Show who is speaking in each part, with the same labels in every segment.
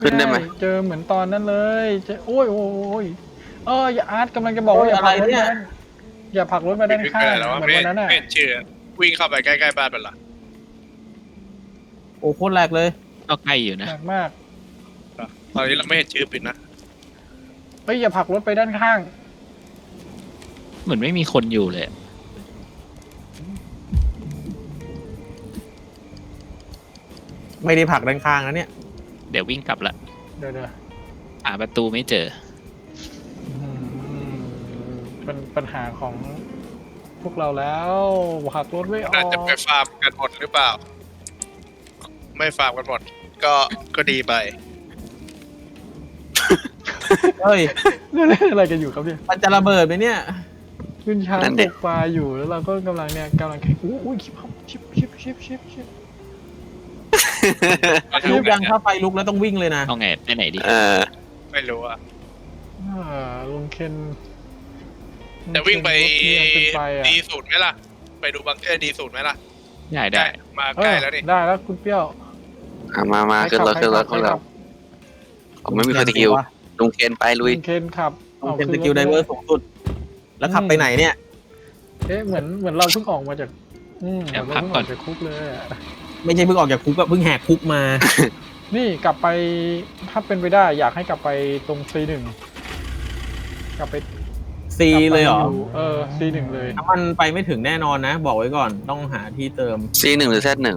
Speaker 1: ขึ้นได้ไหม
Speaker 2: เจอเหมือนตอนนั้นเลยเจอโอ้ยโอ้ยอย่าอาร์ตกำลังจะบอกว่าอย่าผลักรถไปด้านอย่าผลักรถไปด้านข้าง
Speaker 3: แล้วว่า
Speaker 2: เหมือนวันนั้นอ่ะ
Speaker 3: ไม่เห็นชื่อวิ่งเข้าไปใกล้ๆบ้านมันเหรอ
Speaker 4: โอ้โคตรแรกเลย
Speaker 5: ก็ใกล้อยู่นะ
Speaker 2: หนักมาก
Speaker 3: ตอนนี้เราไม่เห็นชื่อปิดนะ
Speaker 2: เฮ้ยอย่าผลักรถไปด้านข้าง
Speaker 5: เหมือนไม่มีคนอยู่เลย
Speaker 4: ไม่ได้ผลักด้านข้างนะเนี่ย
Speaker 5: เดี๋ยววิ่งกลับละ
Speaker 2: เดี๋ยว
Speaker 5: หาประตูไม่เจอ
Speaker 2: เป็นปัญหาของพวกเราแล้วผลักรถไม่อ
Speaker 3: น่า
Speaker 2: อก
Speaker 3: จะไปฟาร์มกันหมดหรือเปล่า ไม่ฟาร์มกันหมดก็ดีไป
Speaker 4: เฮ้ย
Speaker 2: เรื่องอะไรกันอยู่ครับเนี่ย
Speaker 4: มันจะระเบิดไหมเนี่ย
Speaker 2: ขึ้นช้าง
Speaker 1: นั่น
Speaker 2: ต
Speaker 1: ดิ
Speaker 2: กปลาอยู่แล้วเราก็กำลังแข่งอุ้ยชิป
Speaker 4: ลูกยังถ้าไฟลุกแล้วต้องวิ่งเลยนะ
Speaker 5: เอาไงไปไหนดี
Speaker 3: ไม่รู้อะ
Speaker 2: ลุงเคน
Speaker 3: จะวิ่งไป
Speaker 2: เป็นไฟอ่ะ
Speaker 3: ดีสูตรไหมล่ะ ไปดูบังเกอร์ดีสูตรไหมล่ะ
Speaker 5: ได้
Speaker 3: มาใกล้แล้วนี่
Speaker 2: ได้แล้วคุณเปรี้ยว
Speaker 1: มาขึ้นรถขึ้นรถของเราผมไม่มีสกิลลุงเคนไปลุย
Speaker 2: ลุงเคนขับ
Speaker 4: ต้องเป็นสกิลไดเวอร์สูงสุด แล้วขับไปไหนเนี่ย
Speaker 2: เหมือนเราเพิ่งออกมาจากเหมือนเราเพิ่งออกจากคุกเลยอะ
Speaker 4: ไม่ใช่เพิ่งออกจากคุกอะเพิ่งแหกคุกมา
Speaker 2: นี่กลับไปถ้าเป็นไปได้อยากให้กลับไปตรง C1 กลับไป
Speaker 4: ซีเลยเหรอ
Speaker 2: C1 เลย
Speaker 4: น้ำมันไปไม่ถึงแน่นอนนะ บอกไว้ก่อนต้องหาที่เติม
Speaker 1: C1 หรือ Z1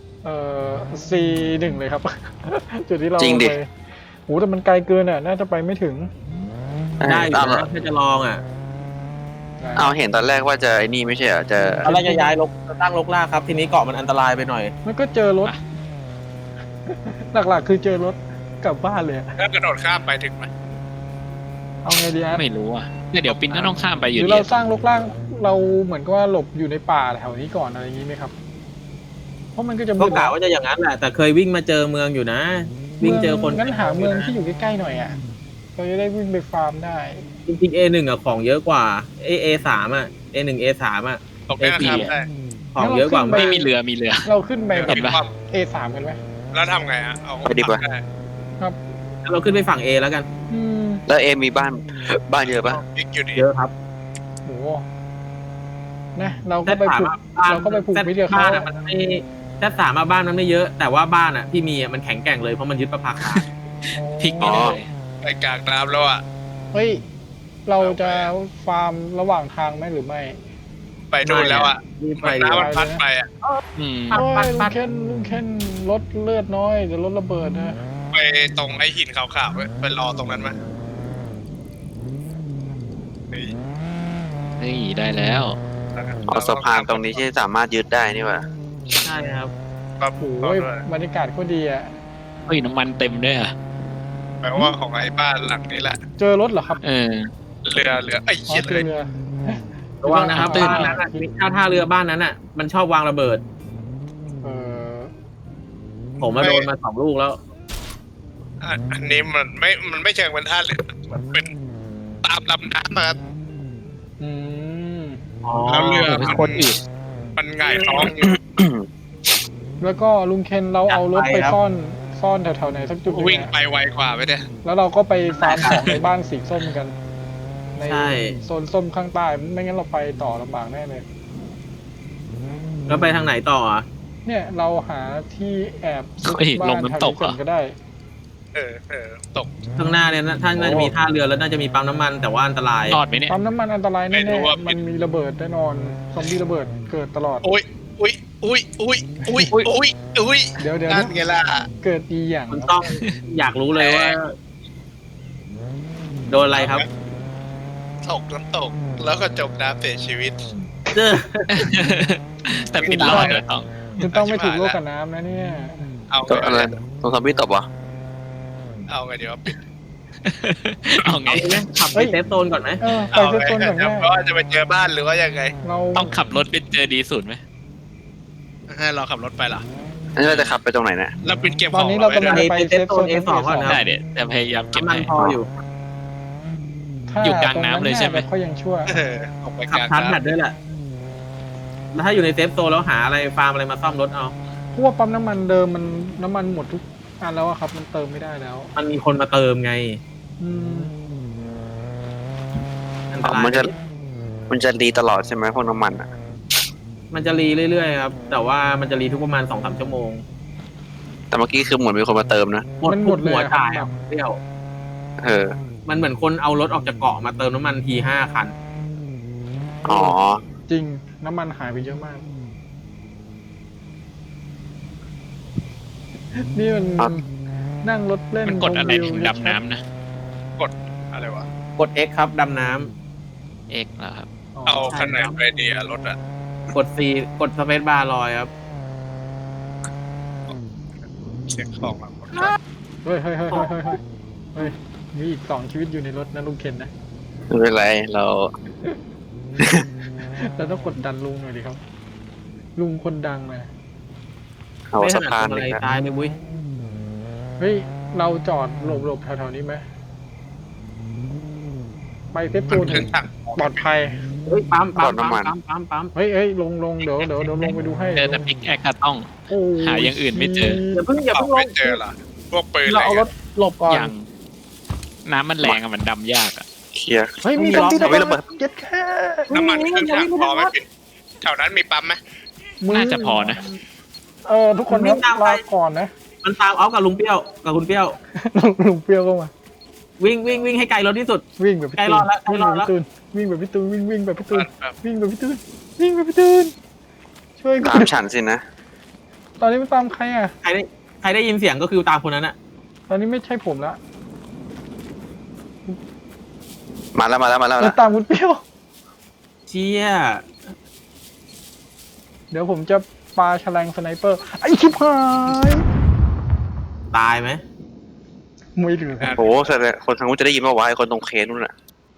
Speaker 2: C1 เลยครับ จุดที่เรา
Speaker 1: จริงดิ
Speaker 2: ไปโหแต่มันไกลเกินอ่ะน่าจะไปไม่ถึง
Speaker 4: ได้อยู่
Speaker 1: เอา
Speaker 4: นะถ้าจะลองอ่ะ
Speaker 1: เอาเห็นตอนแรกว่าจะไอ้นี่ไม่ใช่เหรอจะ
Speaker 4: ตอนแรกจะย้ายจะตั้งลกลากครับ ทีนี้เกาะมันอันตรายไปหน่อย
Speaker 2: มันก็เจอรถ หลักๆคือเจอรถกลับบ้านเลยอะ
Speaker 3: ถ้ากระโดดข้ามไปถึงไหม
Speaker 2: เอาไงดีฮะ
Speaker 5: ไม่รู้อ่ะเดี๋ยวปินก็ต้องข้ามไปอ
Speaker 2: ห
Speaker 5: ยู่
Speaker 2: รือ
Speaker 5: ดี
Speaker 2: เราสร้างรกร่างเราเหมือนกับว่าหลบอยู่ในป่าแถวนี้ก่อนอะไรอย่างนี้ไหมครับ เพราะมันก็จะ
Speaker 4: ก็กะว่าจะอย่างนั้นแหละ แต่เคยวิ่งมาเจอเมืองอยู่นะ วิ่งเจอคน
Speaker 2: งั้นหาเมืองที่อยู่ใกล้ๆหน่อยอ่ะเราจะได้วิ่งไปฟาร์มได้
Speaker 4: จริงๆ A1 อ่ะของเยอะกว่า A3 อ่ะ A1 A3 อ่ะ
Speaker 3: ตกได้ข้ามได้
Speaker 4: ของเยอะกว่า
Speaker 2: งั้นเราขึ้นไป
Speaker 5: ไม่มีเรือมีเรือ
Speaker 2: เราขึ้นไป
Speaker 5: เห็นปะ
Speaker 2: A3 กันไหม
Speaker 3: แล้วทำไงอะเอา
Speaker 1: ไปดีกว่า
Speaker 4: เราขึ้นไปฝั่ง A แล้วกัน
Speaker 1: แล้วเอมีบ้านเยอะปะ
Speaker 3: อีกอยู่ดี
Speaker 4: เยอะครับ
Speaker 2: โหนะเราก็ไปผูก เราก็ไปผูกมิตรกับเขา
Speaker 4: บ้านอะมันไม่Z3มาบ้านมันไม่เยอะ แต่ว่าบ้านอ่ะที่มีอ่ะมันแข็งแกร่งเลยเพราะมันยึดประภาคาร
Speaker 5: พลิกไปเลย
Speaker 3: ไปกลางน้ำแล้วอะ
Speaker 2: เฮ้ย เราจะฟาร์มระหว่างทางไหมหรือไม่
Speaker 3: ไปนู่นแล้วอะ
Speaker 4: รีบไป
Speaker 3: น้ำมันพัดไปอะ
Speaker 5: อืม
Speaker 2: โอ้ยลุงเคนลดเลือดน้อยเดี๋ยวรถระเบิดนะ
Speaker 3: ไปตรงไอ้หินขาวๆเว้ยไปรอตรงนั้นมานี่
Speaker 5: นี่ได้แล้ว
Speaker 1: เอาสะพานตรงนี้ที่สามารถยึดได้นี่หว่า
Speaker 4: ใช่ครับ
Speaker 3: ครับ
Speaker 2: โอ้ยบรรยากาศก็ดีอ่ะ
Speaker 5: เฮ้ยน้ำมันเต็มด้วยอ่ะ
Speaker 3: แปลว่าของไอ้บ้านหลังนี้แหละ
Speaker 2: เจอรถเหรอครับ
Speaker 5: เออ
Speaker 3: เรือไอ้
Speaker 2: อ๋อ
Speaker 3: เหี้ย
Speaker 2: เจ
Speaker 3: เล
Speaker 2: อย เรือ
Speaker 4: ระวังนะครับ
Speaker 5: ตื้น
Speaker 4: บ้านนั้นอะถ้าท่าเรือบ้านนั้นอ่ะ มันชอบวางระเบิด
Speaker 2: เออ
Speaker 4: ผมมาโดนมา2 ลูกแล้ว
Speaker 3: อันนี้มันไม่เชิงเป็นท่าเรือมันเป็นตามลำน้ำมา
Speaker 2: อืม
Speaker 4: อ๋อ
Speaker 3: แล้วเรือ
Speaker 5: เป็นคนอื่น
Speaker 3: มันหง่ายท้องอยู่
Speaker 2: แล้วก็ลุงเคนเราเอารถไปซ่อนแถวๆไหนสักจุดหนึ่ง
Speaker 3: วิ่ง
Speaker 2: อะ
Speaker 3: ไปไวกว่าไปเนี่ย
Speaker 2: แล้วเราก็ไปฟาร์มของในบ้านสีส้มกัน ใน
Speaker 4: ใช่
Speaker 2: โซนส้มข้างใต้ไม่งั้นเราไปต่อลำบากแน่เลย
Speaker 4: แล้วไปทางไหนต่ออ่ะ
Speaker 2: เนี่ยเราหาที่แอบซุก
Speaker 5: เฮ้ย
Speaker 2: บ้า
Speaker 5: ล
Speaker 2: น
Speaker 5: ง
Speaker 2: แถว
Speaker 5: น้ำตก
Speaker 2: นี้ก่อน
Speaker 5: เหรอ
Speaker 2: ก็ได้
Speaker 3: ตก
Speaker 4: ข้างหน้าเนี่ยท่านน่าจะมีท่าเรือแล้วน่าจะมีปั๊มน้ำมันแต่ว่าอันตราย
Speaker 5: รอดไหมเนี่ย
Speaker 2: ปั๊มน้ำมันอันตราย
Speaker 3: ไม่
Speaker 2: แน่
Speaker 3: รู้ว่า
Speaker 2: ๆมันมีระเบิดแน่นอนซอมบี้ระเบิดเกิดตลอด
Speaker 3: อุ้ย
Speaker 2: เดี๋ยว
Speaker 3: นั่นไงล่ะ
Speaker 2: เกิดอีอย่าง
Speaker 4: มันต้องอยากรู้เลยว่า โดนอะไรครับ
Speaker 3: ตกน้ำตก แล้วก็จมน้ำเสียชีวิต
Speaker 4: เจอ
Speaker 5: แต่ปินรอดเลยต้อง
Speaker 2: คุณต้องไม่ถูกโลกกับน้ำนะเนี่ย
Speaker 3: เอา
Speaker 1: ตัวอะไร
Speaker 3: ไง
Speaker 1: ตรงซอมบี้ตบวะ
Speaker 3: เอาไงเดี๋ยวปิด
Speaker 5: เอาไง
Speaker 4: เอาเลยไหมขับไปเซฟโซนก่อนไหม
Speaker 2: ไปเซฟโซนก่อน
Speaker 3: เดี๋ยว
Speaker 2: แม่
Speaker 3: เพราะว่าจะไปเจอบ้านหรือว่ายังไง
Speaker 2: เรา
Speaker 5: ต้องขับรถไปเจอดีสุดไหม
Speaker 3: ให้เราขับรถไปเหรอ
Speaker 1: อันนี้เราจะขับไปตรงไหนนะ
Speaker 3: แล้วปิดเก็บ
Speaker 2: ต
Speaker 3: ข
Speaker 2: อน
Speaker 3: อง
Speaker 2: นี้เรากำลัง
Speaker 3: ไว้
Speaker 2: ไป
Speaker 4: ไป
Speaker 2: เซฟโซน
Speaker 4: A2 ก่อนนะ
Speaker 5: ได้เดี๋ยวจะพยายามเก็บ
Speaker 4: น้ำมัน
Speaker 5: ให้
Speaker 4: พออยู่
Speaker 5: อยู่กลางน้ำเลยใช่ไหม
Speaker 2: เขายังชั่ว
Speaker 3: ออกไป
Speaker 4: ขั
Speaker 3: ก
Speaker 4: บ
Speaker 3: ลาง
Speaker 4: ทันแบ
Speaker 3: น้
Speaker 4: ตด้วยแหละแล้วถ้าอยู่ในเซฟโซนแล้วหาอะไรฟาร์มอะไรมาซ่อมรถเอา
Speaker 2: เพราะว่าปั๊มน้ำมันเดิมมันน้ำมันหมดแล้วอะครับมันเติมไม่ได้แล้ว
Speaker 4: มันมีคนมาเติมไง
Speaker 2: อืม
Speaker 4: อันตราย
Speaker 1: มันจะรีตลอดใช่ไหมพวกน้ำมันอ่ะ
Speaker 4: มันจะรีเรื่อยๆครับ แต่ว่ามันจะรีทุกประมาณ 2-3 ชั่วโมง
Speaker 1: แต่เมื่อกี้คือเหมือนมีคนมาเติมนะ
Speaker 2: มันหมดเลย
Speaker 4: หัว
Speaker 2: ครับ
Speaker 4: จ่ายอ่ะเที่ยว
Speaker 1: เออ
Speaker 4: มันเหมือนคนเอารถออกจากเกาะมาเติมน้ำมันที5 คัน
Speaker 1: อ๋อ
Speaker 2: จริงน้ำมันหายไปเยอะมาก นี่มัน
Speaker 1: ครับ
Speaker 2: นั่งรถเล่น
Speaker 5: มันกดอะไร
Speaker 2: ชมวิว
Speaker 5: ถึงดำน้ำนะ
Speaker 3: อะไรวะ
Speaker 4: กด X ครับดำน้ำ
Speaker 5: เอกแล้วครับ
Speaker 3: เอาขนาดไปดีอะรถอะ
Speaker 4: กด C กดสเปซบาร์ลอยครับ
Speaker 3: เช็คของมา
Speaker 2: เฮ้ยเฮ้ยมีอีก2 ชีวิตอยู่ในรถนะลุงเคนนะ
Speaker 1: ไม่เป็นไรเรา
Speaker 2: เราต้องกดดันลุงหน่อยดิครับ ลุงคนดังนะ
Speaker 1: เอา
Speaker 4: ไม่ถ
Speaker 1: สะ
Speaker 4: นัด
Speaker 1: พาน
Speaker 4: ทำอะ
Speaker 1: เล
Speaker 4: ไร
Speaker 1: ยนะ
Speaker 4: ตายเลยวุ้ย
Speaker 2: เฮ้ยเราจอดหลบแถวๆนี้ไหมไปเซฟโซน
Speaker 3: ขึ้นถัง
Speaker 2: ปลอดภัย
Speaker 4: เฮ้ยปั๊มปั๊ม
Speaker 2: เฮ้ยลงเดี๋ยวลงไปดูให้
Speaker 5: เจอแต่ปิกแอคก็ต้อง
Speaker 2: โอ้
Speaker 5: หาอย่างอื่นไม่เจอ
Speaker 4: อย่าเพิ่ง
Speaker 3: เอา
Speaker 4: ล
Speaker 3: ไม่
Speaker 4: ง
Speaker 3: เจอเหรอพวกปืนอะไร
Speaker 4: เราเอารถหลบก่อน
Speaker 5: อย่างน้ำมันแรงอะมันดำยากอะ
Speaker 1: เคลียร์
Speaker 2: เฮ้ยมี
Speaker 4: ต้องมี
Speaker 2: ที่
Speaker 1: ไม่ระเบิด
Speaker 2: เก็ตแค่
Speaker 3: น้ำมันขึ้นถังพอไหมปินแถวนั้นมีปั๊มไหม
Speaker 5: น่าจะพอนะ
Speaker 2: ทุกคนครับลาก่อนนะ
Speaker 4: มันตามเอากับลุงเปรี้ยวกับคุณเปรี้ยว
Speaker 2: ลุงเปรี้ยวก็มา
Speaker 4: วิ่งให้ไกลรถที่สุด
Speaker 2: วิ่งแบบพี่
Speaker 4: ใกล้
Speaker 2: ตู
Speaker 4: รอน ดแล้วใกล้รอดแล้ว
Speaker 2: วิ่งแบบพี่ตูนวิ่งแบบพี่ตูน
Speaker 3: แบบ
Speaker 2: วิ่งแบบพี่ตูนวิ่งแบบพี่ตูนช่วยกั
Speaker 1: ตาน มฉันสินะ
Speaker 2: ตอนนี้ไม่ตามใครอ่ะ
Speaker 4: ใครได้ยินเสียงก็คือตามคนนั้นอะ
Speaker 2: ตอนนี้ไม่ใช่ผมละ
Speaker 1: มาแล้ว
Speaker 2: เราตามคุณเปรี้ยว
Speaker 4: เชี่ย
Speaker 2: เดี๋ยวผมจะปาแฉลงสไนเปอร์ไอ้ชิบหาย
Speaker 4: ตายไหม
Speaker 2: ไม่เหลือ
Speaker 1: โอ้โหแสดงคนทางนู้นจะได้ยินว่าไอ้คนตรงเคสนู่นน่ะ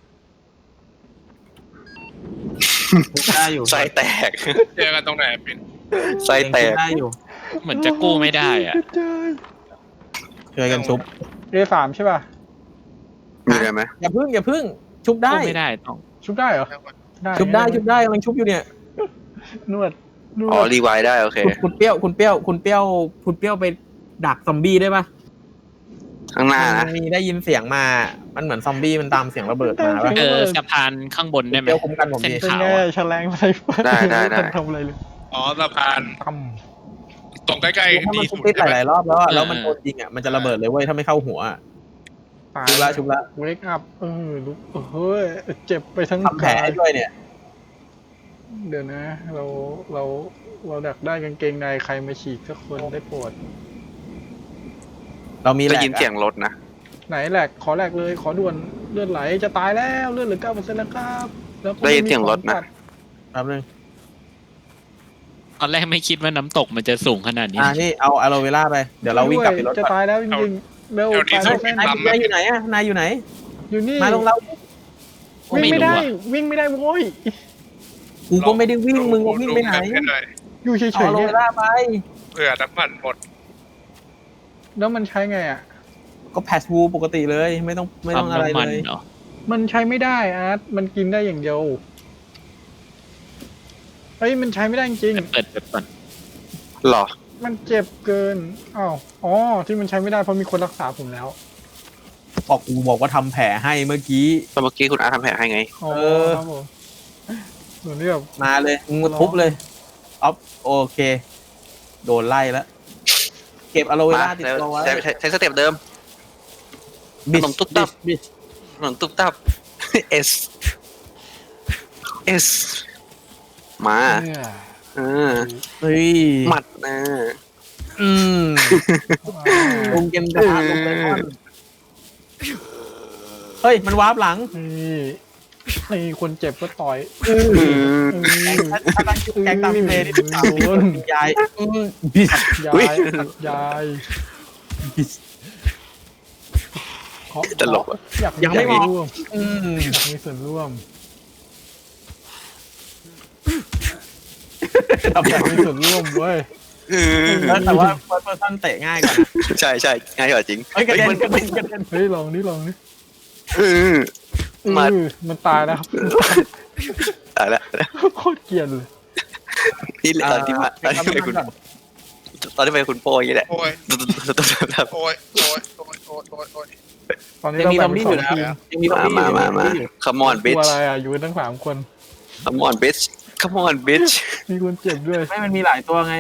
Speaker 4: ได้อยู่
Speaker 1: ไส้แตก
Speaker 3: เจอกันตรงไหนปิน
Speaker 1: ไส้แตก
Speaker 4: ได้อยู่
Speaker 5: เหมือนจะกู้ไม่ได้อะ
Speaker 4: ช่วยกันชุบ
Speaker 2: A3 ใช่ป่ะ
Speaker 1: มีอะไรไหม
Speaker 4: อย่าพึ่งชุบได้
Speaker 5: กู้ไม่ได้ต้อง
Speaker 2: ชุบได้เหรอ
Speaker 4: ชุบได้กำลังชุบอยู่เนี่ย
Speaker 2: นวด
Speaker 1: อ๋อรีไวล์ได้โอเค
Speaker 4: คุณเปรี้ยวไปดักซอมบี้ได้ปะ
Speaker 1: ข้างหน้านะ
Speaker 4: มันมีได้ยินเสียงมา มันเหมือนซอมบี้มันตามเสียงระเบิดมาปะ
Speaker 5: สะพานข้างบนได้ไหม
Speaker 4: เปรี้ยวคุ้มกันผม
Speaker 5: เส้น
Speaker 4: ดี
Speaker 2: เป็น
Speaker 5: ขาว
Speaker 2: ไง
Speaker 5: อะ
Speaker 2: แฉลงสไนเปอร์
Speaker 1: ได้
Speaker 2: ม่ทันทำอะไรเลย
Speaker 3: อ๋อสะพาน
Speaker 2: ตั้ม
Speaker 3: ตรงใกล้
Speaker 4: ถ้า
Speaker 3: ๆ
Speaker 4: มัน
Speaker 3: ดี
Speaker 4: ทุ
Speaker 3: สุ
Speaker 4: บ
Speaker 3: ด
Speaker 4: ติด
Speaker 3: ใช่ไหม
Speaker 4: หลายๆรอบแล้วอะแล้วมันโดนยิงอะมันจะระเบิดเลยเว้ยถ้าไม่เข้าหัวอะ
Speaker 2: ตาย
Speaker 4: ชุบละ
Speaker 2: เวกอัพลุกเฮ้ยเจ็บไปทั้ง
Speaker 4: ทำแผลให้ด้วยเนี่ย
Speaker 2: เดี๋ยวนะ เราดักได้กางเกงในใครมาฉีกสักคนได้โปรด
Speaker 4: เรามีแห
Speaker 1: ได้
Speaker 4: ลก
Speaker 1: ยินเสียงรถนะ
Speaker 2: ไหนแหลกขอแหลกเลยขอด่วนเลือดไหลจะตายแล้วเลือดเหลือ 9% แล้วครับแล้วก็
Speaker 1: ได้ยินเสียงรถนะ
Speaker 4: แป๊บนึง
Speaker 5: ตอนแรกไม่คิดว่าน้ำตกมันจะสูงขนาดนี้
Speaker 4: นี่เอาอะโลเวล่าไปเดี๋ยวเราวิ่งกลับไปรถ
Speaker 2: จะ
Speaker 4: ก่อน
Speaker 2: ตายแล้วจริงๆเร็วตายแล้วแน่
Speaker 4: นายอยู่ไหนอะนายอยู่ไหน
Speaker 2: อยู่นี่
Speaker 4: มาลงเรา
Speaker 2: วิ่งไม่ได้วิ่งไม่ได้โว้ย
Speaker 4: กูก็ไม่ได้วิ่งมึงก็วิ่งไปไหน
Speaker 2: อยู่เฉ
Speaker 4: เอา
Speaker 2: ย
Speaker 4: อะ
Speaker 2: ๆ
Speaker 4: โล
Speaker 2: เนี่
Speaker 4: เวย ล่าไป
Speaker 3: เผื่อน้ำมันหมด
Speaker 2: แล้วมันใช้ไงอ่ะ
Speaker 4: ก็แพสวูปกติเลยไม่ต้องอะไร
Speaker 5: น้ำมัน
Speaker 4: เลย
Speaker 5: เหรอ
Speaker 2: มันใช้ไม่ได้อาร์ตมันกินได้อย่างเดียวเฮ้ยมันใช้ไม่ได้จริง
Speaker 5: เปิดก่อน
Speaker 1: หรอ
Speaker 2: มันเจ็บเกินอ้าวอ๋อที่มันใช้ไม่ได้เพราะมีคนรักษาผมแล้ว
Speaker 4: กูบอกว่าทำแผลให้เมื่อกี้
Speaker 1: ตอนเมื่อกี้คุณอาร์ทำแผลให้ไง
Speaker 2: อ๋อ
Speaker 4: เออ
Speaker 2: ครับผมเหมือนที่แบบ
Speaker 4: มาเลยมึงมาทุบเลยอ๊อฟโอเค โดนไล่แล้วเก็บอะโลเว
Speaker 1: มา
Speaker 4: ล่าติด
Speaker 1: แล้ว
Speaker 4: ตัวไว้
Speaker 1: ใช้สเต็ปเดิม
Speaker 4: บิ
Speaker 1: ขนมตุ๊บตับ
Speaker 4: บิช
Speaker 1: ถนนตุ๊บตับ S S มา
Speaker 2: เนี่ย
Speaker 1: เออ
Speaker 4: เฮ้ย
Speaker 1: หมัดนะ
Speaker 4: อืมลงเกมกระทะลงไปก่อนเฮ้ยมันวาร์ปหลัง
Speaker 2: นี่คนเจ็บก็ต่อย
Speaker 1: อืม
Speaker 4: ถ้าตั้งชื่อแกงตามเพลย์นี่ตาม
Speaker 2: โดน
Speaker 4: ยายบิช
Speaker 2: ยา
Speaker 1: อุ๊ย
Speaker 2: ยขัดยายขอ
Speaker 1: ตลกอะ
Speaker 2: อยาก
Speaker 4: ยังไม่มอง
Speaker 2: ร่วม
Speaker 4: อืม
Speaker 2: อยากมีส่วนร่วม อยากมีส่วนร่วมเว้ย
Speaker 1: อืม
Speaker 4: แต่ว่าเฟิร์สเพอร์ซันเตะง่ายกว่า
Speaker 1: ใช่ใช่ง่ายกว่าจริง
Speaker 4: เฮ้ยกระเด็นกระเด็นกระเด็น
Speaker 2: เฮ้ยลองนี่
Speaker 1: อืม มา
Speaker 2: มันตายแล้วครับ
Speaker 1: ตายแล้ว
Speaker 2: โคตรเกลียดเลย
Speaker 1: นี่ตอนที่มา
Speaker 4: เก็บน้ำมันก่อน
Speaker 1: ตอนที่ไปคุณโป้อย่างนี้แหละ
Speaker 3: โอ้ยโอ้ยโอ้ยโอ้ยโอ้ยโอ้ยโอ้ย
Speaker 2: ตอนนี้
Speaker 4: ยัง
Speaker 2: เรา
Speaker 4: มีซ
Speaker 2: แบ่
Speaker 4: อง ม
Speaker 2: เป็น
Speaker 4: บี้
Speaker 2: ส
Speaker 4: อ
Speaker 2: อยู่ ง
Speaker 4: นะ
Speaker 2: ทีม
Speaker 4: ยังมีซอมบี้อยู่
Speaker 1: มา come on
Speaker 2: ตัว
Speaker 1: bitch
Speaker 2: อะไรอ่ะอยู่กันทั้ง3 คน
Speaker 1: come on bitch come on bitch
Speaker 2: มีคนเจ็บด้วย
Speaker 4: ไม่มันมีหลายตัวไง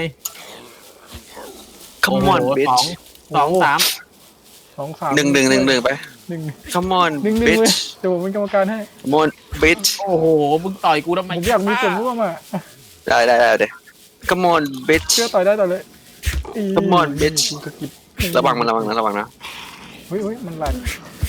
Speaker 1: come on
Speaker 4: โอ้โห
Speaker 1: bitch
Speaker 4: สองสาม
Speaker 2: 2 3
Speaker 1: หนึ่งไป
Speaker 2: 1
Speaker 1: come on
Speaker 2: 1 เลย
Speaker 1: bitch
Speaker 2: เดี๋ยวผมเป็นกรรมการให้
Speaker 1: come on bitch
Speaker 4: โอ้โหมึงต่อยกูทำไม
Speaker 2: ผมอยากมีส่วนร่วมอ่ะ
Speaker 1: ได้เดี๋ยว come on bitch
Speaker 2: เชื่อต่อยได้ต่อเลย
Speaker 1: Come on, bitch
Speaker 2: สะกิด
Speaker 1: ระวังนะ
Speaker 2: เฮ้ยมันหลัด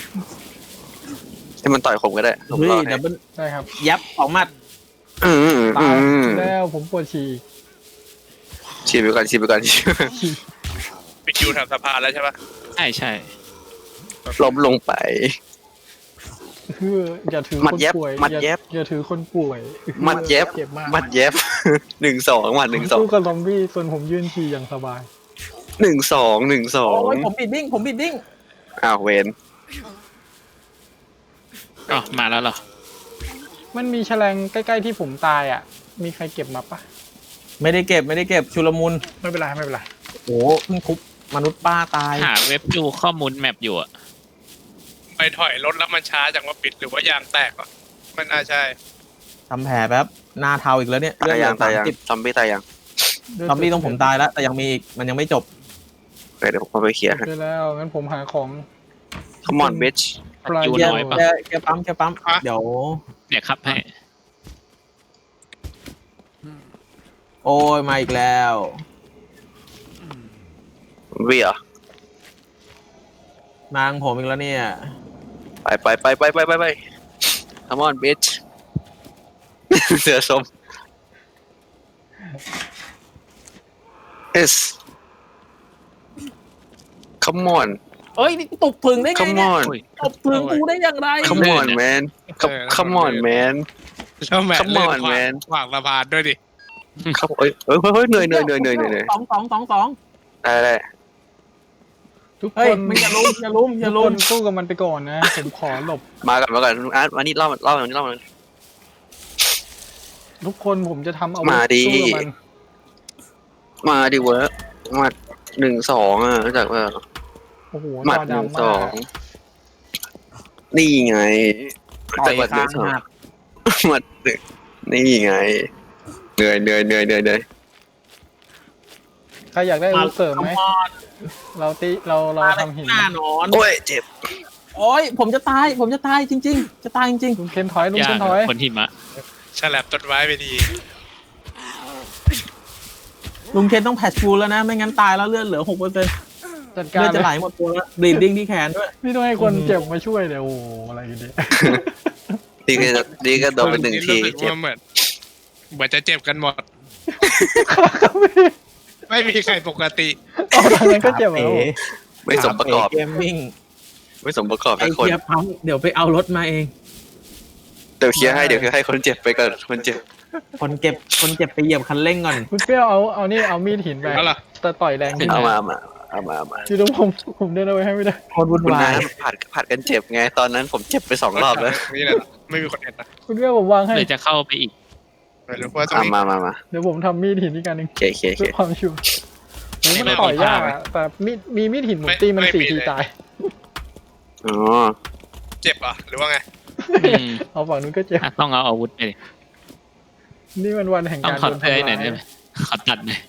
Speaker 1: ให้มันต่อยผมก็ได้ผม
Speaker 4: เฮ้ย
Speaker 1: รอให้
Speaker 4: ดับเบิ้ล
Speaker 2: ได้ครับ
Speaker 4: ยับ2 หมัด
Speaker 2: ตายแล้วผมปวดฉี่
Speaker 1: ฉีดไปก่อน
Speaker 3: ไปคิวทำสะพานแล้วใช่ปะ
Speaker 5: ใช่
Speaker 1: ล้มลงไป
Speaker 2: คืออย่าถือ
Speaker 1: มั
Speaker 2: ค
Speaker 1: ด
Speaker 2: น
Speaker 1: แยบ
Speaker 2: ป่วย
Speaker 1: มัดแยบ
Speaker 2: อย่าถือคนป่วย
Speaker 1: มัดเย็บ
Speaker 2: เจ็บมาก
Speaker 1: มัดเย็บ 1-2 มัด
Speaker 2: ผมสู้กับซอมบี้ส่วนผมยืนฉี่อย่างสบาย
Speaker 1: 1-2
Speaker 4: โอ้ยผมบิดดิ้ง
Speaker 1: อ้าวเวน
Speaker 5: อ๋อมาแล้วเหรอ
Speaker 2: มันมีแฉลงใกล้ๆที่ผมตายอ่ะ มีใครเก็บมาปะ
Speaker 4: ไม่ได้เก็บชุลมุน
Speaker 2: ไม่เป็นไรไม่เป็นไร
Speaker 4: โอ้เพิ่งทุบมนุษย์ป้าตาย
Speaker 5: หาเว็บดูข้อมูลแมปอยู่อะ
Speaker 3: ไปถอยรถแล้วมันช้าจังว่าปิดหรือว่ายางแตกวะมันน่าใช่
Speaker 4: ทำแผลแป๊บหน้าเทาอีกแล้วเนี่ย
Speaker 1: ตายยัง
Speaker 4: 30
Speaker 1: ซอมบี้ตายยัง
Speaker 4: ซอมบี้ต้องผมตายแล้ว แต่ยังมีอีกมันยังไม่จบ
Speaker 1: เดี๋ยวผมไปเคลียร์ให้
Speaker 2: ได้แล้วงั้นผมหาของ
Speaker 1: come on bitch
Speaker 2: ปลาย
Speaker 5: อยู่
Speaker 2: เย
Speaker 5: น้อยปะ
Speaker 4: แกปั๊มเดี๋ยว
Speaker 5: เดี๋ยวครับให้
Speaker 4: โอ้ยมาอีกแล้ว
Speaker 1: วีเหรอ
Speaker 4: นางผมอีกแล้วเนี่ย
Speaker 1: ไป come on bitch เสือส้ม yes come on
Speaker 4: เอ้ยนี่กูตบถึงได้ไง
Speaker 1: come
Speaker 4: เนี่ย
Speaker 1: on
Speaker 4: ตบถึงกูได้อย่างไร
Speaker 1: come on man come on man
Speaker 3: แล้วแมท
Speaker 1: Come
Speaker 3: เล่น
Speaker 1: on,
Speaker 3: ขวาง
Speaker 1: man
Speaker 3: ขวางสะพานด้วยดิ
Speaker 1: ครับเฮ้ยเหนื่อย
Speaker 4: สอง
Speaker 1: ได้
Speaker 2: ทุก
Speaker 4: เฮ้
Speaker 2: ค
Speaker 4: ย
Speaker 2: น
Speaker 4: มึงอย่าลุม
Speaker 2: ทุกคนสู้กับมันไปก่อนนะ ผมขอหลบ
Speaker 1: มาก่อนอาร์ตมานี่เล่านี่เล่า
Speaker 2: ทุกคนผมจะทำเอาวุธ
Speaker 1: มาดิ
Speaker 2: สู้กับมัน
Speaker 1: มาดิเวิร์กมา1-2อ่ะรู้จักว่า
Speaker 2: โอ้โห
Speaker 1: หมัด
Speaker 2: จอดำมาก
Speaker 1: 1-2นี่ไง
Speaker 4: ต่อย
Speaker 1: หมัด
Speaker 4: ค้างหัก
Speaker 1: หมัดนี่ไงเหนื่อย
Speaker 2: ใครอยากได้อาวุธเสริมไหม
Speaker 4: มา
Speaker 2: เราทำหิน
Speaker 4: หน้านอน
Speaker 1: โอ้ยเจ็บ
Speaker 4: โอ้ยผมจะตายจริงๆ จะตายจริง
Speaker 2: ลุงเคนถอยลุง
Speaker 5: ยา
Speaker 2: เคน
Speaker 5: ก
Speaker 2: ถอย
Speaker 5: คนหิมะ
Speaker 3: ฉลับต้นไม้ไปดี
Speaker 4: ๆลุงเคนต้องแพทฟูลแล้วนะ ไม่งั้นตายแล้วเลือดเหลือ 6%เลื
Speaker 2: จัดการ
Speaker 4: อดจะไหลหมดตัวแล้วบลีดดิ้งที่แขนด้วย
Speaker 2: นี่ต้องให้คนเจ็บมาช่วยเดี๋ยวโอ้โหอะไรกันเนี่ย
Speaker 1: ดีก็โดนไป1 ที
Speaker 3: รู้สึก
Speaker 1: เจ็บ
Speaker 3: ว่าเหมือนจะเจ็บกันหมด ไม่มีใครปกติ
Speaker 2: เอาทางนั้นก็เจ็บแล้ว
Speaker 1: ไม่สมประกอบ
Speaker 4: เกมมิ่ง
Speaker 1: ไม่สมประกอบ
Speaker 4: ไอ
Speaker 1: ทุกคน
Speaker 4: เกียร์พังเดี๋ยวไปเอารถมาเอง
Speaker 1: เดี๋ยวเคลียร์ให้คนเจ็บไปก่อนคนเจ็บ
Speaker 4: คนเจ็บไปเหยียบคันเร่งก่อน
Speaker 2: คุณเปรี้ยวเอามีดหินไป
Speaker 3: แล้วเหรอ
Speaker 2: แต่ต่อยแรงขึ้น
Speaker 1: เอามา
Speaker 2: อยู่ตรงผมเดินเอาไว้ให้ไม่ได้
Speaker 4: โคนวุ่น
Speaker 1: คุณ
Speaker 4: วา
Speaker 1: น้าย ผัดกันเจ็บไง ตอนนั้นผมเจ็บไป2 รอบแล้ว
Speaker 3: นี่แหละไม่มีคนเห็นนะ
Speaker 2: คุณเปรี้ยวผมวางให้
Speaker 5: เลยจะเข้าไปอีก
Speaker 3: ไม่รู้ว่าตรงนี้
Speaker 1: มา
Speaker 2: เดี๋ยวผมทำมีดหินอีกอันหนึ่ง
Speaker 1: เค
Speaker 2: เพื่อความชัวร์โอ้ยมันต่อยยากอะแต่มีมีดหินผมตีมัน4 ทีตาย
Speaker 1: อ๋อ
Speaker 3: เจ็บเหรอหรือว่าไง
Speaker 5: อืม
Speaker 2: เอาฝั่งนู้นก็เจ็บ
Speaker 5: อ่ะต้องเอาอาวุธไปดิ
Speaker 2: นี่มันวันแห่ง
Speaker 5: ต้อง
Speaker 2: การ
Speaker 5: ขอ
Speaker 2: โดน
Speaker 5: เพื่อ
Speaker 2: ทำ
Speaker 5: หน่อยได้
Speaker 2: ร้าย
Speaker 5: ไหมขอตัดหน่อย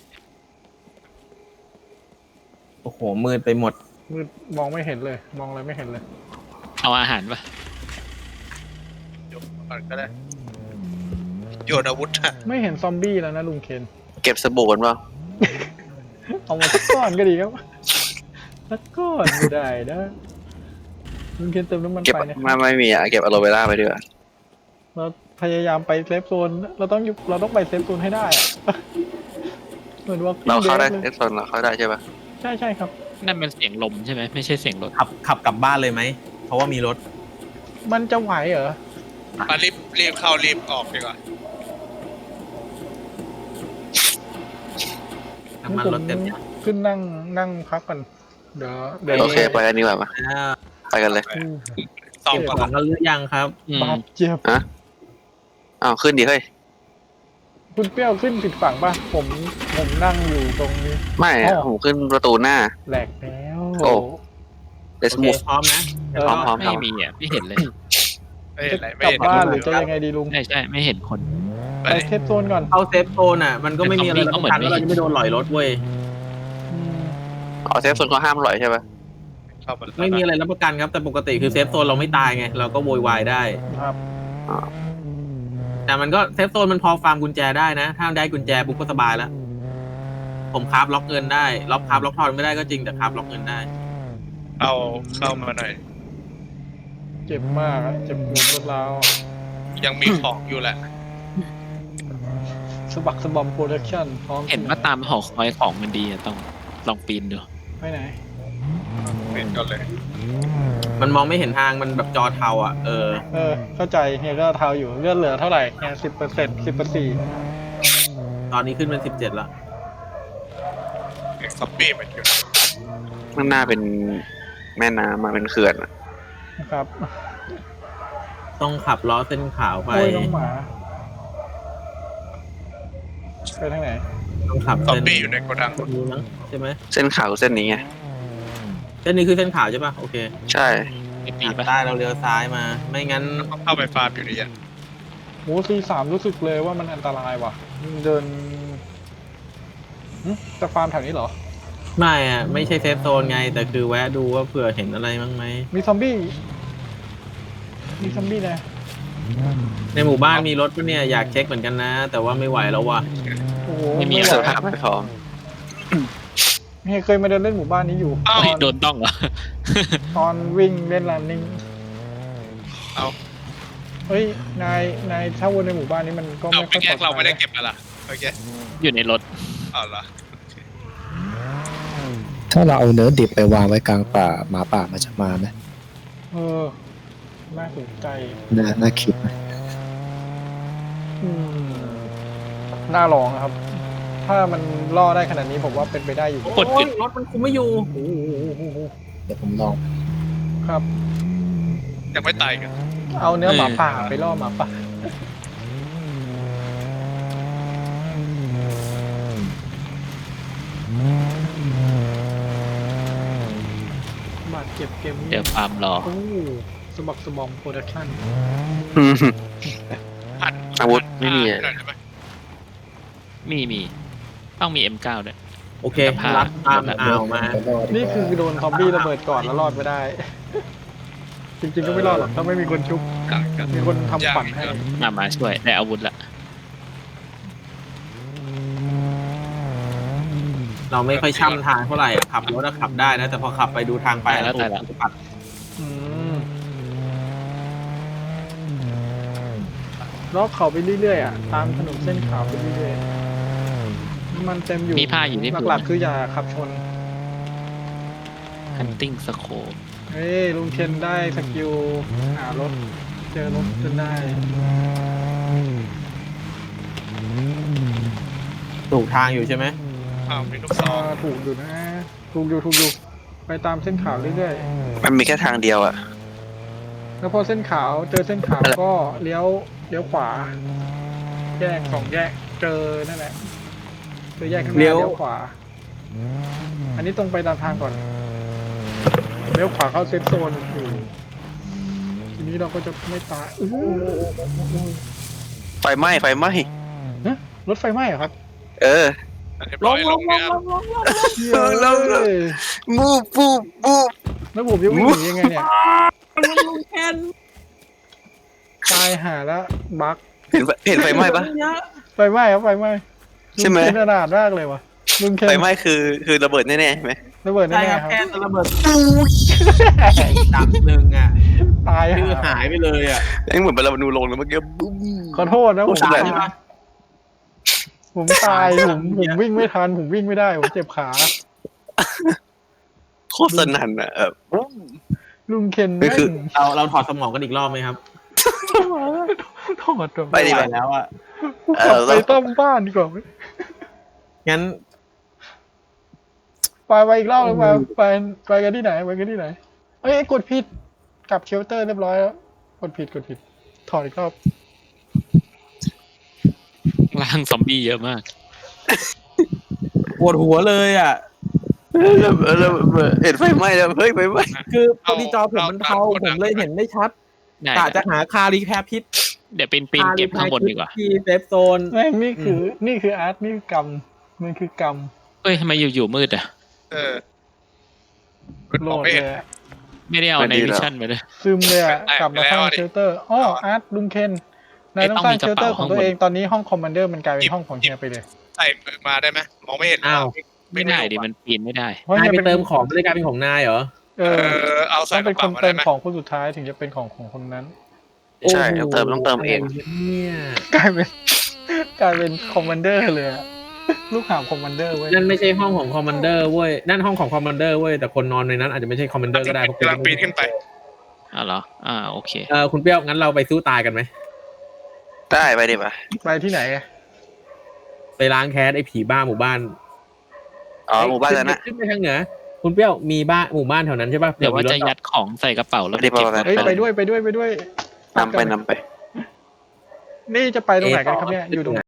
Speaker 4: โอ้โหมืดไปหมด
Speaker 2: มืดมองไม่เห็นเลย มองอะไรไม่เห็นเลย
Speaker 5: เอาอาหารปะ
Speaker 3: โยนก่อนก็ได้โยนอาวุธอะ
Speaker 2: ไม่เห็นซอมบี้แล้วนะลุงเคน
Speaker 1: เก็บสบู่กันเปล่า
Speaker 2: เอามาสักก้อนก็ดีครับสักก้อนไม่ได้นะลุงเคนเติมน้ำมัน
Speaker 1: เก็บ
Speaker 2: ไปนะ
Speaker 1: ไม่มีอ่ะเก็บอะโลเวล่าไปด้วย
Speaker 2: เราพยายามไปเซฟโซนเราต้องไปเซฟโซนให้ได้อะเหมือนว่า
Speaker 1: เราเข้าได้
Speaker 2: ลย
Speaker 1: เอ็กซ์โซนเราเข้าได้ใช่ปะ
Speaker 2: ใช่ครับ
Speaker 5: นั่นเป็นเสียงลมใช่ไหมไม่ใช่เสียงรถ
Speaker 4: ขับกลับบ้านเลยไหม เพราะว่ามีรถ
Speaker 2: มันจะไหวเหรอ
Speaker 3: มารีบเข้ารีบออกดีกว่า
Speaker 4: น้ำมันรถเต็มยัง
Speaker 2: ขึ้นนั่งพักกันเดี๋ยว
Speaker 1: โอเคไปกันดีกว่าปะ
Speaker 4: อ่า
Speaker 1: ไปกันเลย
Speaker 3: สอง
Speaker 4: เก็บ
Speaker 3: ก่อน
Speaker 4: ของกันหรือยังครับ
Speaker 5: อืม
Speaker 2: บาดเจ็บ
Speaker 1: อ้าวขึ้นดิเฮ้ย
Speaker 2: คุณเปรี้ยวขึ้นผิดฝั่งป่ะผมนั่งอยู่ตรงนี้
Speaker 1: ไม่อะผมขึ้นประตูหน้า
Speaker 2: แหลกแล้ว
Speaker 1: โอ้
Speaker 4: โอ
Speaker 1: let's
Speaker 4: เค
Speaker 1: move
Speaker 4: พร้อมนะ
Speaker 1: พร้อมพร้อม
Speaker 5: ไม่มีอ่ะไม่เห็นเลย
Speaker 3: ไม่เห็นอะไรไม่
Speaker 2: กลับ
Speaker 3: เห็น
Speaker 2: บ้านหรือจะยังไงดีลุง
Speaker 5: ใช่ใช่ไม่เห็นคน
Speaker 3: ไป
Speaker 2: ไปเทปโซนก่อน
Speaker 4: เข้าเซฟโซนอ่ะมันก็ไม่มีอะไรรับประกันว่าเราจะไม่โดนหลอยรถเว้ย
Speaker 2: อืม
Speaker 1: อ๋อเซฟโซนเขาห้ามลอยใช่ปะ
Speaker 3: เข้ามา
Speaker 4: ไม่มีอะไรรับประกันครับแต่ปกติคือเซฟโซนเราไม่ตายไงเราก็โวยวายได้
Speaker 2: ครับ
Speaker 4: แต่มันก็เซฟโซนมันพอฟาร์มกุญแจได้นะ ถ้าได้กุญแจปุ๊บก็สบายแล้ว ผมคราฟล็อกเงินได้ล็อกคราฟล็อกทอนไม่ได้ก็จริงแต่คราฟล็อกเงินได้
Speaker 3: เอาเข้ามาหน่อย
Speaker 2: เจ็บมากอะเจ็บปวดรวดร้าว
Speaker 3: ยังมีของอยู่แหละ
Speaker 2: สะบักสะบอมโปรดักชั่นพร้อม
Speaker 5: เห็นว่าตามหอคอยของมันดีอะต้องลองปีนดู
Speaker 2: ไปไหน
Speaker 3: เห็นก่อนเลย
Speaker 4: มันมองไม่เห็นทางมันแบบจอเทาอ่ะ
Speaker 2: เข้าใจเฮียก็เทาอยู่เลือดเหลือเท่าไหร่เฮีย10%
Speaker 4: ตอนนี้ขึ้นเป็น17แล้ว
Speaker 3: เอ็กซ์ซอมบี้มันอยู่
Speaker 1: ข้างหน้าเป็นแม่น้ำมาเป็นเขื่อนอะ
Speaker 2: นะครับ
Speaker 4: ต้องขับล้อเส้นขาวไป
Speaker 2: โอ้ยน้องหมาไปทางไหน
Speaker 4: ต้องขับ
Speaker 3: ซอม
Speaker 4: เส้น
Speaker 3: บี้อยู่ในโกดัง
Speaker 4: นี้มั้งใช่ไหม
Speaker 1: เส้นขาวเส้นนี้ไง
Speaker 4: เส้นนี้คือเส้นขาวใช่ป่ะโอเค
Speaker 1: ใช่
Speaker 5: ไอปี
Speaker 4: ขับ
Speaker 5: ปะ
Speaker 4: ใต้เราเลี้ยวซ้ายมา ไม่งั้น
Speaker 3: เข้าไปฟาร์มอยู่ดีอ่ะ
Speaker 2: โหC3รู้สึกเลยว่ามันอันตรายว่ะเดินจะฟาร์มแถวนี้เหรอ
Speaker 4: ไม่อ่ะไม่ใช่เซฟโซนไง แต่คือแวะดูว่าเผื่อเห็นอะไรมั้งไหม
Speaker 2: มีซอมบี้นะ
Speaker 4: ในหมู่บ้านมีรถปะเนี่ยอยากเช็คเหมือนกันนะ แต่ว่าไม่ไหวแล้วว่ะ
Speaker 2: โอ้โห
Speaker 5: ไม่มี
Speaker 2: ไหว
Speaker 1: เสื้อผ้าไม่พร้อม
Speaker 2: เฮียเคยมาเดินเล่นหมู่บ้านนี้อยู่
Speaker 3: เอ้า
Speaker 5: เฮ้ยโดนต้องเหรอ
Speaker 2: ตอนวิ่งเล่นรันนิ่ง
Speaker 3: เอา
Speaker 2: เฮ้ยนายถ้าวนในหมู่บ้านนี้มันก็
Speaker 3: เอา
Speaker 2: ไม่
Speaker 3: ไป
Speaker 2: ค่อย
Speaker 3: แยกเราไม่ได้
Speaker 2: ปลอ
Speaker 3: เก็บมาล่ะโอเค
Speaker 5: อยู่ในรถ
Speaker 3: เอาเหรอ
Speaker 6: ถ้าเราเอาเนื้อดิบไปวางไว้กลางป่าหมาป่ามันจะมาไหม
Speaker 2: เออน่าสนใจ
Speaker 6: น่าคิดนะ
Speaker 2: อืมน่าลองนะครับ ถ้ามันล่อได้ขนาดนี้ผมว่าเป็นไปได้อยู่
Speaker 5: กด
Speaker 4: โอ้
Speaker 5: ปิ
Speaker 4: ย
Speaker 5: ด
Speaker 4: รถมันคุมไม่อยู่
Speaker 2: โอ้โห
Speaker 6: เดี๋ยวผมลอง
Speaker 2: ครับ
Speaker 3: ยังไม่ตายกัน
Speaker 2: เอาเนื้อหมาป่าไปล่อหมาป่าบาดเจ็บเกมนี้
Speaker 5: เดี๋ยวฟาร์มรอ
Speaker 2: โอ้สะบักสะบอมโปรดักชั่น
Speaker 3: หัน
Speaker 1: อาวุธไม่มีอะ
Speaker 3: หน่อยได้ไหม
Speaker 5: มีต้องมี M9 ด้วย
Speaker 4: โอเค
Speaker 5: จะพา
Speaker 4: รัดตามอ่าวมา
Speaker 6: ไปรอดีกว่า
Speaker 2: นี่คือโดนซอมบี้ระเบิดก่อนแล้วรอดไม่ได้ จริงๆก็ไม่รอดหรอกถ้าไม่มีคนชุบ
Speaker 3: ต่างกัน
Speaker 2: มีคนทำขวัญให้
Speaker 5: มาช่วยได้อาวุธละ
Speaker 4: เราไม่ค่อยช่ำทางเท่าไหร่อะขับรถอะขับได้นะ แต่พอขับไปดูทางไปแล้วถูกปัด
Speaker 2: อืมล็อกเขาไปเรื่อยๆอ่ะตามถนนเส้นขาวไปเรื่อยๆน้ำมันเต็มอยู่
Speaker 5: มีผ้าอยู่ที่พื้น
Speaker 2: หลักๆคืออย่าขับชน
Speaker 5: ฮันติ้งสโคป
Speaker 2: เฮ้ยลุงเคนได้สกิลหารถเจอรถจนได้
Speaker 4: ถูกทางอยู่ใช่ไหม
Speaker 3: อ้าวมีลูกซอง
Speaker 2: ถูกอยู่นะถูกอยู่ไปตามเส้นขาวเรื่อย
Speaker 1: มันมีแค่ทางเดียวอะ
Speaker 2: ๆแล้วพอเส้นขาวเจอเส้นขาวก็เลี้ยวขวา แยก2 แยกเจอนั่นแหละเจอแยกข้างหน้าเลี้ยวขวา อันนี้ตรงไปตามทางก่อนเลี้ยวขวาเข้าเซฟโซนอยู่ทีนี้เราก็จะไม่ตายอู้หู
Speaker 1: ไฟไหม้
Speaker 2: ฮะรถไฟไหม้เหรอครับ
Speaker 1: เออ
Speaker 3: เรียบร้อยลงเนี่ย
Speaker 1: ลง มูฟปูปูบ
Speaker 2: แล้วผมจะวิ่งหนียังไงเนี่ยตายหาแล้วบั๊ก
Speaker 1: เห็นไฟไหม้ปะ
Speaker 2: ไฟไหม้ครับไฟไหม้
Speaker 1: ใช่ไหม
Speaker 2: ลุงเคนขนาดมากเลยวะลุงเคน
Speaker 1: ไฟไหม้คือระเบิดแน่ๆใช่ไหม
Speaker 2: ระเบิด
Speaker 4: ใช่
Speaker 2: แน่
Speaker 4: ครับ
Speaker 2: ๆครับ
Speaker 4: แค่ระเบิดดับหนึ่งอ่ะ
Speaker 2: ตาย
Speaker 4: คือ
Speaker 2: หา
Speaker 4: หายไปเลยอ่ะ
Speaker 1: แม่งเหมือนเป็นระเบิดลงแล้วเมื่อกี้บุ้ม
Speaker 2: ขอโทษนะผม
Speaker 1: โอ้โห
Speaker 2: ผมตายผมวิ่งไม่ทันผมวิ่งไม่ได้ผมเจ็บขา
Speaker 1: โคตรสนั่นอะบุ้ม
Speaker 2: ลุงเคน
Speaker 1: นี่คือ
Speaker 4: เราถอดสมองกันอีกรอบไหมครับ
Speaker 2: ถอด
Speaker 1: ไปดิ
Speaker 4: ม่
Speaker 1: ไป
Speaker 4: หวแล้วอ่ะ
Speaker 2: ไปต้มบ้านดีกว่าไหม
Speaker 4: งั้น
Speaker 2: ไปอีกรอบเลยไปกันที่ไหนเอ้ยกดผิดกลับเชลเตอร์เรียบร้อยแล้วกดผิดถอดอีกรอบ
Speaker 5: ล่างซอมบี้เยอะมาก
Speaker 4: ปวดหัวเลยอ่ะ
Speaker 1: แล้วเห็นไฟไหม้แล้วเฮ้ยไฟไหม้
Speaker 4: คือพอดีจอผมมันเทาผมเลยเห็นไม่ชัด
Speaker 5: ได้
Speaker 4: กะจะหาคารีแคปพิษ
Speaker 5: เดี๋ยวปีนเก็บข้างบนดีกว่า
Speaker 4: ที่เซฟโซน
Speaker 2: แม่งนี่คืออาร์ตนี่คือกรรมมันคือกรรม
Speaker 5: เฮ้ยทำไมอยู่มืดอ่ะ
Speaker 3: มัน
Speaker 2: โหล
Speaker 3: มอง
Speaker 2: ด
Speaker 3: ไม่
Speaker 2: เล
Speaker 3: เห็น
Speaker 2: ยอะ
Speaker 5: ไม่ได้เอาในวิชั่นไปเลย
Speaker 2: ซึมเลยอะ
Speaker 3: แตก
Speaker 2: กลับมา
Speaker 3: ไปแล้ว
Speaker 2: สร้าง
Speaker 3: อะดิ
Speaker 2: เชลเตอร์อ้ออาร์ตลุงเคนนายต้องสร้าง
Speaker 5: ไอ้
Speaker 2: เช
Speaker 5: ต้องมีกระ
Speaker 2: ลเตอ
Speaker 5: เป๋า
Speaker 2: ร์ของตัวเอง
Speaker 5: ข้างบน
Speaker 2: ตอนนี้ห้องคอมมานเดอร์มันกลายเป็นห้องของเฮียไปเลย
Speaker 3: ใส่มือมาได้ไหมมองไม่เห็น
Speaker 4: อ้าว
Speaker 5: ไม่ได้ดิมันปีนไม่ได้
Speaker 2: เพราะ
Speaker 4: นาย
Speaker 2: เฮีย
Speaker 4: ไป
Speaker 2: เป็น
Speaker 4: เติมของไม่ได้กลายเป็นของนายเหรอ
Speaker 2: เออ
Speaker 3: เอา
Speaker 2: ต้
Speaker 3: ใส่
Speaker 2: อง
Speaker 3: ก
Speaker 2: เป็
Speaker 3: ระ
Speaker 2: นค
Speaker 3: เป๋าน มา
Speaker 2: เติ
Speaker 3: ได้
Speaker 2: ม
Speaker 3: ไหม
Speaker 2: ของคนสุดท้ายถึงจะเป็นของคนนั้น
Speaker 1: ใช่ต้องเติมเอง
Speaker 4: เนี่ย
Speaker 2: กลายเป็นคอมมานเดอร์เลยอะลูกหาบคอมมานเดอร์เว้ย
Speaker 4: นั่นไม่ใช่ห้องของคอมมานเดอร์เว้ยนั่นห้องของคอมมานเดอร์เว้ยแต่คนนอนในนั้นอาจจะไม่ใช่คอมมานเดอร์ก็ได้เพราะ
Speaker 3: กำลังปีนขึ้นไป
Speaker 5: อ่ะเหรอโอเค
Speaker 4: คุณเปรี้ยวงั้นเราไปสู้ตายกันไหม
Speaker 1: ได้ไปดิป่ะ
Speaker 2: ไปที่ไหนอะ
Speaker 4: ไปล้างแค้นไอ้ผีบ้าหมู่บ้าน
Speaker 1: อ๋อหมู่บ้านแล้วนะ
Speaker 4: ขึ้นไปทางเหนือคุณเปรี้ยวมีบ้านหมู่บ้านแถวนั้นใช่ป่ะ
Speaker 5: เดี๋ยวว่า
Speaker 4: มีรถ
Speaker 5: จะยัดของใส่กระเป๋าแล้ว
Speaker 1: ไม่ได้
Speaker 5: เก็บ
Speaker 1: บอกอะไร
Speaker 2: เฮ้ยไปด้วย
Speaker 1: นำไป
Speaker 2: นี่จะไปตรงไหนกันครับเนี่ยอยู่ตรงไหน